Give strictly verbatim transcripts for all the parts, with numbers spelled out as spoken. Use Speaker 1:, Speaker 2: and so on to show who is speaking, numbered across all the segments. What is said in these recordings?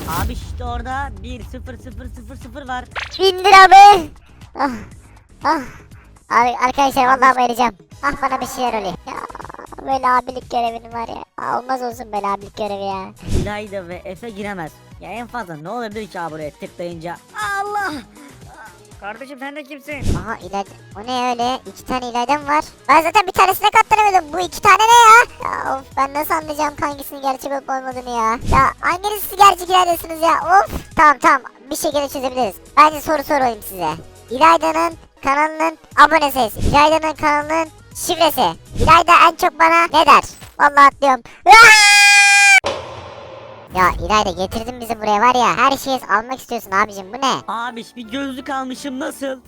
Speaker 1: Abi işte orada bir sıfır sıfır sıfır sıfır var.
Speaker 2: Bin lira mı? Ah, ah. Abi, arkadaşlar vallahi bayılacağım. Ah, bana bir şeyler oluyor. Ya böyle abilik görevim var ya. Aa, olmaz olsun böyle abilik görevi ya.
Speaker 1: İlayda ve Efe giremez. Ya en fazla ne olabilir ki abi buraya tıklayınca? Allah! Kardeşim sen de kimsin?
Speaker 2: Aha, ileride. O ne öyle? İki tane ileriden var. Ben zaten bir tanesine katlanamadım. Bu iki tane ne ya? Ya of, ben nasıl anlayacağım hangisinin gerçek olup olmadığını ya? Ya hanginiz siz gerçek ileridesiniz ya? Of. Tamam tamam, bir şekilde çözebiliriz. Bence soru sorayım size. İlayda'nın kanalının abone sayısı. İlayda'nın kanalının şifresi. İlayda en çok bana ne der? Vallahi atlıyorum. Ya İlayda, getirdin bizi buraya var ya, her şeyi almak istiyorsun abicim, bu ne?
Speaker 1: Abi bir gözlük almışım nasıl?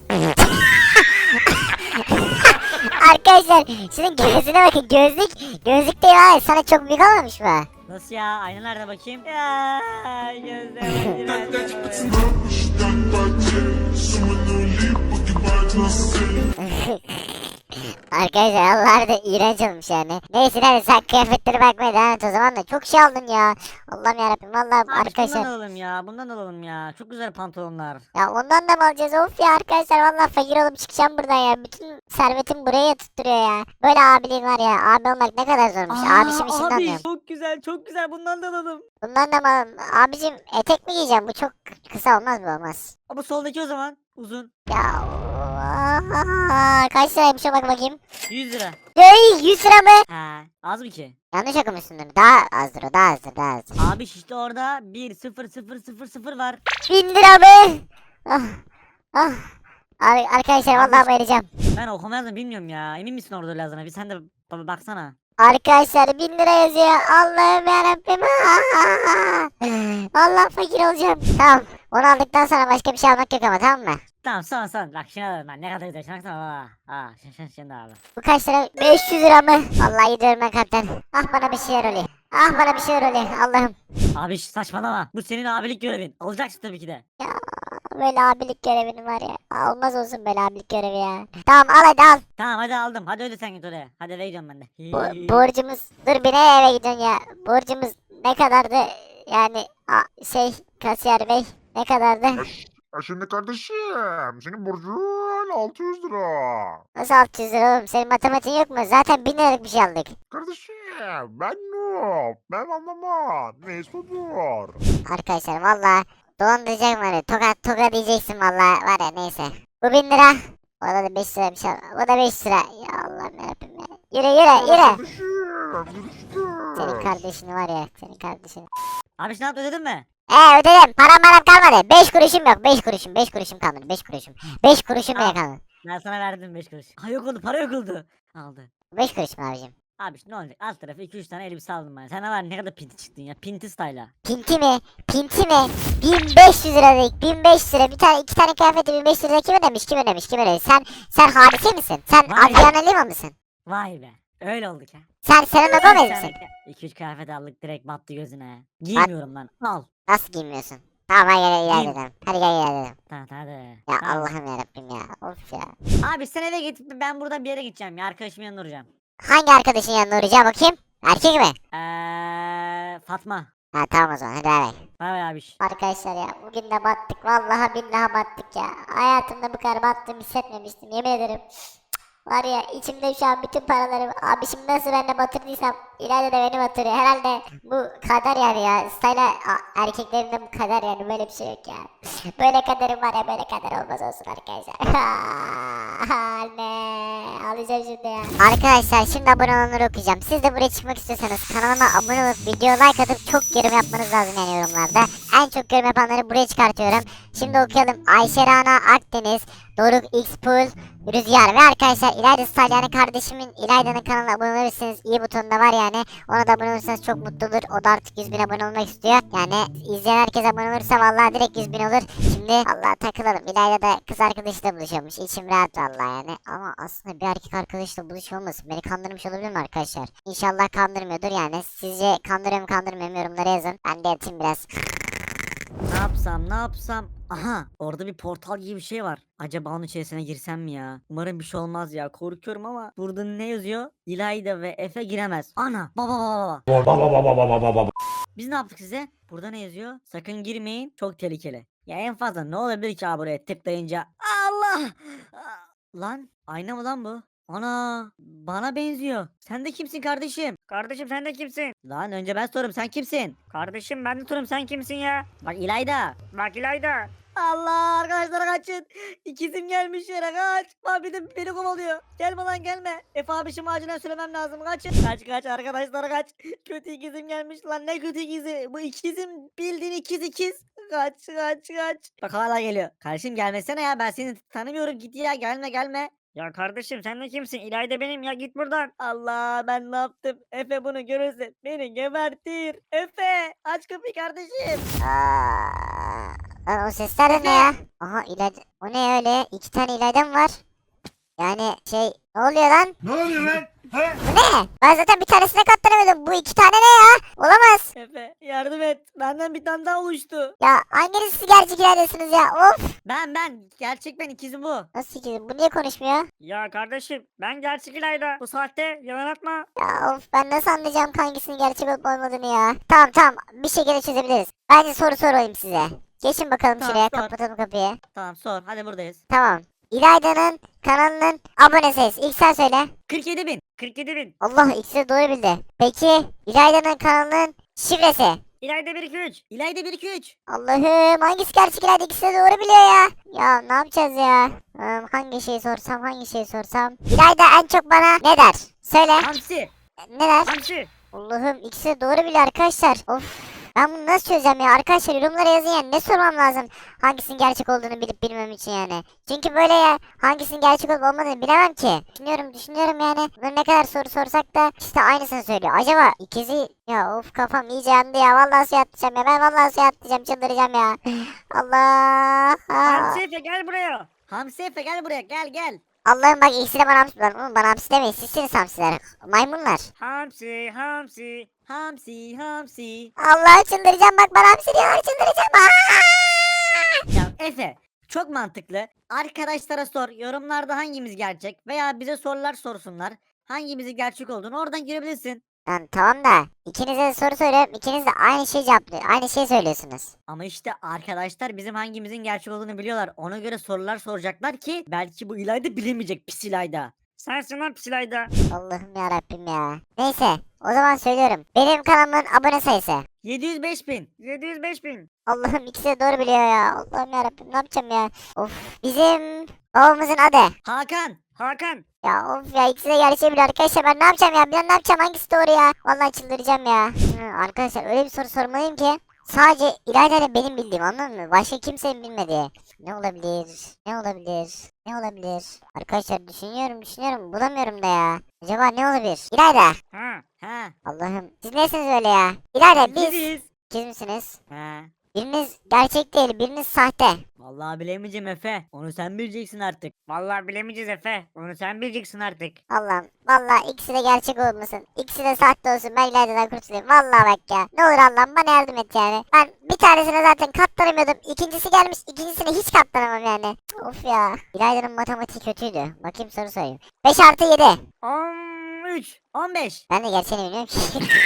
Speaker 2: Arkadaşlar şunun gözüne bakın, gözlük gözlük değil abi, sana çok büyük olmamış mı?
Speaker 1: Nasıl ya? Ayna nerede bakayım? Ya gözlerim.
Speaker 2: Arkadaşlar Allah da iğrenç olmuş yani. Neyse hadi sen kıyafetlere bakmaya devam et o zaman da, çok şey aldın ya. Allah'ım yarabbim vallahi
Speaker 1: Abi
Speaker 2: arkadaşlar.
Speaker 1: bundan alalım ya. Bundan alalım ya. Çok güzel pantolonlar.
Speaker 2: Ya ondan da mı alacağız? Of ya arkadaşlar, vallahi fakir olup çıkacağım buradan ya. Bütün servetim buraya tutturuyor ya. Böyle abiliğin var ya. Abi olmak ne kadar zormuş. Abişim işini
Speaker 1: abi
Speaker 2: anlıyorum.
Speaker 1: çok güzel çok güzel bundan da alalım.
Speaker 2: Bundan da mı? Abicim etek mi giyeceğim? Bu çok kısa olmaz, bu olmaz.
Speaker 1: Ama soldaki o zaman uzun.
Speaker 2: Ya oha, kaç liraymış o, bak bakayım.
Speaker 1: yüz lira.
Speaker 2: Hey, yüz lira mı?
Speaker 1: Ha, az mı ki?
Speaker 2: Yanlış okumuşsundur. Daha azdır o, daha azdır, daha azdır.
Speaker 1: Abi işte orada bir sıfır sıfır sıfır sıfır var.
Speaker 2: Bin lira mı? Ah, ah. Abi, arkadaşlar
Speaker 1: Abi-
Speaker 2: vallahi bayılacağım.
Speaker 1: Ben okuma yazdım bilmiyorum ya. Emin misin orada lazına? Bir sen de ba- baksana.
Speaker 2: Arkadaşlar bin lira yazıyor. Allah'ım yarabbim. Allah, fakir olacağım. Tamam. Onu aldıktan sonra başka bir şey almak yok ama, tamam mı?
Speaker 1: Tamam son son. Bak şuna alalım ben. Ne kadar güzel. Şuna baksana. Aa, aa şun şun şunu da alalım.
Speaker 2: Bu kaç lira? beş yüz lira mı? Vallahi gidiyorum ben kaptan. Ah, bana bir şeyler oluyor. Ah, bana bir şeyler oluyor. Allah'ım.
Speaker 1: Abi şş, saçmalama. Bu senin abilik görevin. Alacaksın tabii ki de.
Speaker 2: Ya böyle abilik görevin var ya. Aa, olmaz olsun böyle abilik görevi ya. Tamam, al hadi al.
Speaker 1: Tamam hadi aldım. Hadi öyle sen git oraya. Hadi eve gidiyorum ben de.
Speaker 2: Bu, borcumuz. Dur, bir ne eve gidiyorsun ya? Borcumuz ne kadardı? Yani a, şey, kasiyer bey, ne kadardı?
Speaker 3: Ya şimdi kardeşim, senin borcun altı yüz lira.
Speaker 2: Nasıl altı yüz lira oğlum? Senin matematiğin yok mu? Zaten bin liralık bir şey aldık.
Speaker 3: Kardeşim, ben noob, ben anlamam. Neyse dur.
Speaker 2: Arkadaşlar valla dolandıracak var ya. Tokat tokat diyeceksin valla, var ya, neyse. Bu bin lira. O da beş lira bir şey. O da beş lira. Ya Allah'ım yarabbim ya. Yürü yürü yürü.
Speaker 3: Kardeşim, görüşürüz.
Speaker 2: Senin kardeşini var ya. Senin kardeşini.
Speaker 1: Abi ne yaptın ödedin mi?
Speaker 2: Ee, ödedim. Param param kalmadı. beş kuruşum yok. beş kuruşum. beş kuruşum kalmadı. beş kuruşum. beş kuruşum bile
Speaker 1: Al.
Speaker 2: kalmadı.
Speaker 1: Ben sana verdim beş kuruş. Ha yok oldu para yok oldu. Aldı.
Speaker 2: beş kuruş mu abicim?
Speaker 1: Abi ne olacak? Alt tarafı iki üç tane elbise aldım ben. Sen de var ne kadar pinti çıktın ya. Pinti style'a.
Speaker 2: Pinti mi? Pinti mi? bin beş yüz lira dedik. bin beş yüz lira. Bir tane iki tane kıyafeti bin beş yüz lira kim ödemiş? Kim ödemiş? Kim ödemiş? Sen sen hadise misin? Sen
Speaker 1: Vay.
Speaker 2: Adriana Lima mısın?
Speaker 1: Vay be. Öyle olduk ha.
Speaker 2: Sen Selena Gomez misin?
Speaker 1: iki üç kıyafet aldık direkt battı gözüne. Giymiyorum lan. Al.
Speaker 2: Nasıl giymiyorsun? Tamam, hadi gel
Speaker 1: Giyim.
Speaker 2: ilerleyelim. Hadi gel ilerleyelim.
Speaker 1: Tamam hadi.
Speaker 2: Ya
Speaker 1: Tamam.
Speaker 2: Allah'ım yarabbim ya. Of ya.
Speaker 1: Abi sen eve git ben buradan bir yere gideceğim ya. Arkadaşımın yanına uğrayacağım.
Speaker 2: Hangi arkadaşın yanına uğrayacağım bakayım? Erkek mi?
Speaker 1: Eee Fatma.
Speaker 2: Ha tamam o zaman, hadi bay bay.
Speaker 1: Bay bay abiş.
Speaker 2: Arkadaşlar ya, bugün de battık. Vallahi billahi battık ya. Hayatımda bu kadar battığımı hissetmemiştim, yemin ederim. Var ya, içimde şu an bütün paralarım. Abi şimdi nasıl ben de batırdıysam ileride de beni batırıyor. Herhalde bu kader yani ya. Style a- erkeklerin de bu kader yani, böyle bir şey yok ya. Böyle kaderim var ya, böyle kader olmaz olsun arkadaşlar. Anne, alacağım şimdi ya. Arkadaşlar şimdi abone olanları okuyacağım. Siz de buraya çıkmak istiyorsanız kanalıma abone olup video like atıp çok yorum yapmanız lazım yani yorumlarda. En çok yorum yapanları buraya çıkartıyorum. Şimdi okuyalım. Ayşe Rana Akdeniz, Doruk Xpool, Rüzgar ve arkadaşlar İlayda Style yani kardeşimin İlayda'nın kanalına abone olursanız iyi butonunda var yani. Ona da abone olursanız çok mutlu olur. O da artık yüz bin abone olmak istiyor. Yani izleyen herkes abone olursa vallahi direkt yüz bin olur. Şimdi Allah takılalım. İlayda da kız arkadaşıyla buluşuyormuş. İçim rahat vallahi yani. Ama aslında bir erkek arkadaşla buluşuyor olmasın. Beni kandırmış olabilir mi arkadaşlar? İnşallah kandırmıyordur yani. Sizce kandırıyor mu kandırmıyor mu yorumlara yazın. Ben de yatayım biraz.
Speaker 1: Ne yapsam ne yapsam? Aha orada bir portal gibi bir şey var. Acaba onun içerisine girsem mi ya? Umarım bir şey olmaz ya. Korkuyorum ama burada ne yazıyor? İlayda ve Efe giremez. Ana baba baba baba. Biz ne yaptık size? Burada ne yazıyor? Sakın girmeyin. Çok tehlikeli. Ya en fazla ne olabilir ki abi buraya tıklayınca? Allah! Aa, Lan ayna mı lan bu? Ana bana benziyor. Sen de kimsin kardeşim?
Speaker 4: Kardeşim sen de kimsin?
Speaker 1: Lan önce ben sorum sen kimsin?
Speaker 4: Kardeşim ben de Turum sen kimsin ya?
Speaker 1: Bak İlayda.
Speaker 4: Bak İlayda.
Speaker 1: Allah arkadaşlar kaçın. İkizim gelmiş yere kaç. Bak bir de beni kovalıyor. Gelme lan gelme. Efe abişim acilen söylemem lazım. Kaçın. Kaç kaç arkadaşlar kaç. Kötü ikizim gelmiş lan ne kötü ikizi. Bu ikizim bildiğin ikiz ikiz. Kaç kaç kaç. Bak hala geliyor. Kardeşim gelmesene ya ben seni tanımıyorum git ya gelme gelme.
Speaker 4: Ya kardeşim sen de kimsin? İlayda benim ya git buradan.
Speaker 1: Allah ben ne yaptım? Efe bunu görürse beni gebertir. Efe aç kapıyı kardeşim.
Speaker 2: Aa, lan o sesler de ne ya? Aha İlayda. O ne öyle? İki tane İlayda mı var? Yani şey ne oluyor lan?
Speaker 3: Ne oluyor lan? He?
Speaker 2: Bu ne? Ben zaten bir tanesine katlanamadım. Bu iki tane ne ya? Olamaz.
Speaker 1: Efe yardım et. Benden bir tane daha oluştu.
Speaker 2: Ya hanginiz siz gerçek İlaydasınız ya? Of.
Speaker 1: Ben ben gerçek ben ikizim bu.
Speaker 2: Nasıl ki? Bu niye konuşmuyor?
Speaker 4: Ya kardeşim ben gerçek İlayda. Bu saatte yalan atma.
Speaker 2: Ya of ben nasıl anlayacağım hangisinin gerçek olup olmadığını ya? Tamam tamam bir şekilde çözebiliriz. Bence soru sorayım size. Geçin bakalım
Speaker 1: Tamam,
Speaker 2: şuraya
Speaker 1: sor.
Speaker 2: kapatalım kapıyı.
Speaker 1: Tamam sor hadi buradayız.
Speaker 2: Tamam. İlayda'nın kanalının abone sayısı. İlk sen söyle.
Speaker 1: kırk yedi bin.
Speaker 4: kırk yedi bin.
Speaker 2: Allah ikisi de doğru bildi. Peki İlayda'nın kanalının şifresi.
Speaker 4: İlayda bir iki üç.
Speaker 1: İlayda bir iki üç.
Speaker 2: Allah'ım hangisi gerçek İlayda ikisi de doğru biliyor ya. Ya ne yapacağız ya? Hmm, hangi şeyi sorsam hangi şeyi sorsam. İlayda en çok bana ne der? Söyle.
Speaker 1: Hamsi.
Speaker 2: Ne der?
Speaker 4: Hamsi.
Speaker 2: Allah'ım ikisi de doğru biliyor arkadaşlar. Of. Ben bunu nasıl çözeceğim ya? Arkadaşlar yorumlara yazın yani. Ne sormam lazım? Hangisinin gerçek olduğunu bilip bilmem için yani. Çünkü böyle ya hangisinin gerçek olup olmadığını bilemem ki. Düşünüyorum düşünüyorum yani. Bunun ne kadar soru sorsak da işte aynısını söylüyor. Acaba ikizi ya of kafam iyice yandı ya. Vallahi suya atlayacağım ya. Ben vallahi suya atlayacağım çıldıracağım ya. Allah.
Speaker 4: Hamsi Efe gel buraya.
Speaker 1: Hamsi Efe gel buraya gel gel.
Speaker 2: Allah'ım bak ikisi de bana hamsi lan. Oğlum bana hamsi demeyin. Sizsiniz hamsiler. Maymunlar.
Speaker 4: Hamsi Hamsi.
Speaker 1: Hamsi hamsi.
Speaker 2: Allah çıldıracağım bak bana hamsi diyorlar çıldıracağım. Aa!
Speaker 1: Ya Efe çok mantıklı. Arkadaşlara sor yorumlarda hangimiz gerçek veya bize sorular sorsunlar. Hangimizin gerçek olduğunu oradan girebilirsin.
Speaker 2: Lan tamam da ikinize de soru soruyorum. İkiniz de aynı şey cevaplıyor. Aynı şey söylüyorsunuz.
Speaker 1: Ama işte arkadaşlar bizim hangimizin gerçek olduğunu biliyorlar. Ona göre sorular soracaklar ki belki bu İlayda bilemeyecek pis İlayda.
Speaker 4: Sensin lan pis İlayda.
Speaker 2: Allah'ım ya Rabbim ya. Neyse o zaman söylüyorum. Benim kanalımın abone sayısı.
Speaker 1: yedi yüz beş bin.
Speaker 4: yedi yüz beş bin.
Speaker 2: Allah'ım ikisi de doğru biliyor ya. Allah'ım ya Rabbim ne yapacağım ya. Of bizim babamızın adı.
Speaker 1: Hakan.
Speaker 4: Hakan.
Speaker 2: Ya of ya ikisi de gerçeği biliyor arkadaşlar ben ne yapacağım ya. Ben ne yapacağım hangisi doğru ya. Vallahi çıldıracağım ya. Hı, arkadaşlar öyle bir soru sormalıyım ki. Sadece İlayda ile benim bildiğim anladın mı? Başka kimsenin bilmediği. Ne olabilir? Ne olabilir? Ne olabilir? Arkadaşlar düşünüyorum düşünüyorum bulamıyorum da ya. Acaba ne olabilir? İlayda.
Speaker 4: Ha.
Speaker 1: Ha.
Speaker 2: Allah'ım siz nesiniz öyle ya? İlayda biz
Speaker 1: Biziz.
Speaker 2: ikiz misiniz?
Speaker 1: Ha.
Speaker 2: Biriniz gerçek değil biriniz sahte.
Speaker 1: Vallahi bilemeyeceğim Efe. Onu sen bileceksin artık.
Speaker 4: Vallahi bilemeyeceğiz Efe. Onu sen bileceksin artık.
Speaker 2: Allah'ım vallahi ikisi de gerçek olmasın. İkisi de sahte olsun ben İlayda'dan kurtulayım. Vallahi bak ya. Ne olur Allah'ım bana yardım et yani. Ben bir tanesine zaten katlanamıyordum. İkincisi gelmiş ikincisine hiç katlanamam yani. Of ya. İlayda'nın matematiği kötüydü. Bakayım soru sorayım. beş artı yedi.
Speaker 4: on üç.
Speaker 1: on beş.
Speaker 2: Ben de gerçeğini bilmiyorum ki.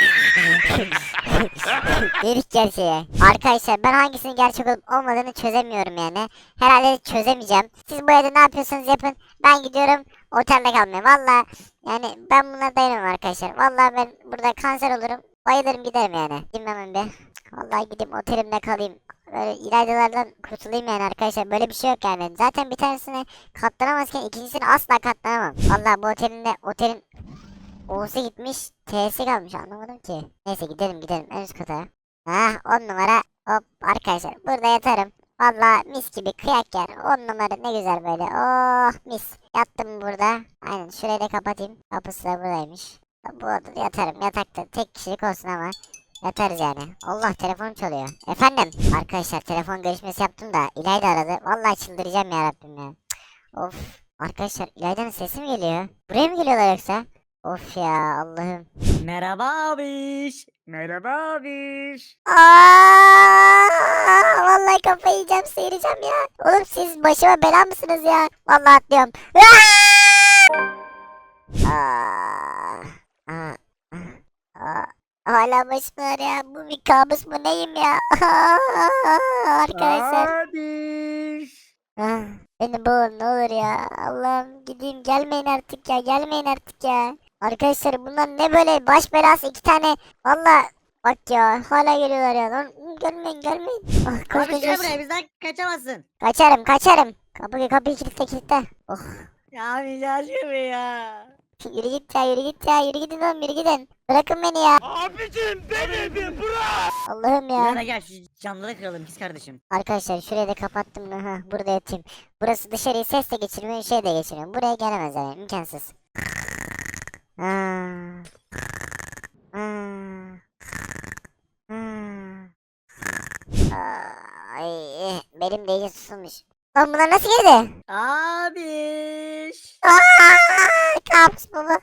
Speaker 2: Dedik gerçeği. Arkadaşlar ben hangisinin gerçek olup olmadığını çözemiyorum yani. Herhalde çözemeyeceğim. Siz bu evde ne yapıyorsanız yapın. Ben gidiyorum otelde kalmaya. Valla yani ben buna dayanamam arkadaşlar. Valla ben burada kanser olurum. Bayılırım giderim yani. Gideyim hemen bir. Vallahi gideyim otelimde kalayım. Böyle İlaydalardan kurtulayım yani arkadaşlar. Böyle bir şey yok yani. Zaten bir tanesine katlanamazken ikincisine asla katlanamam. Vallahi bu otelinde otelin O'su gitmiş, T'si kalmış anlamadım ki. Neyse gidelim gidelim en üst kata. Hah on numara. Hop arkadaşlar burada yatarım. Valla mis gibi kıyak yer. On numara ne güzel böyle. Oh mis. Yattım burada. Aynen şurayı da kapatayım. Kapısı da buradaymış. Bu odada yatarım. Yatakta tek kişilik olsun ama. Yatarız yani. Allah telefon çalıyor. Efendim. Arkadaşlar telefon görüşmesi yaptım da İlayda aradı. Vallahi çıldıracağım ya Rabbim ya. Cık, of. Arkadaşlar İlayda'nın sesi mi geliyor? Buraya mı geliyorlar yoksa? Of ya Allah'ım.
Speaker 1: Merhaba abiş.
Speaker 4: Merhaba abiş.
Speaker 2: Aa, vallahi kafayı yiyeceğim, seyireceğim ya. Oğlum siz başıma bela mısınız ya? Vallahi atlıyorum. Aa! Aa, aa, aa, Hala başım ağrıyor. Bu bir kabus mu neyim ya? Arkadaşlar.
Speaker 4: Abiş.
Speaker 2: Ah, beni boğun ne olur ya. Allah'ım gideyim gelmeyin artık ya. Gelmeyin artık ya. Arkadaşlar bunlar ne böyle baş belası iki tane. Valla bak ya hala geliyorlar ya. Lan, gelmeyin gelmeyin. Ah, koş
Speaker 1: Abi
Speaker 2: koş
Speaker 1: gel
Speaker 2: koş.
Speaker 1: buraya bizden kaçamazsın.
Speaker 2: Kaçarım kaçarım. Kapıyı kapıyı kilitle kilitle. Oh.
Speaker 1: Ya abi yaşıyor ya.
Speaker 2: Yürü git ya yürü git ya yürü gidin oğlum yürü gidin. Bırakın beni ya.
Speaker 4: Abicim beni bir bırak.
Speaker 2: Allah'ım ya.
Speaker 1: Birader gel şu camları kıralım pis kardeşim.
Speaker 2: Arkadaşlar şurayı da kapattım. Ha, burada yatayım. Burası dışarıyı ses de geçirmiyor şey de geçirmiyor. Buraya gelemez yani imkansız. Ah. Ah. Ah. Ay, benim de iyice susulmuş. Lan bunlar nasıl girdi?
Speaker 1: Abiş.
Speaker 2: Aa, kabus baba.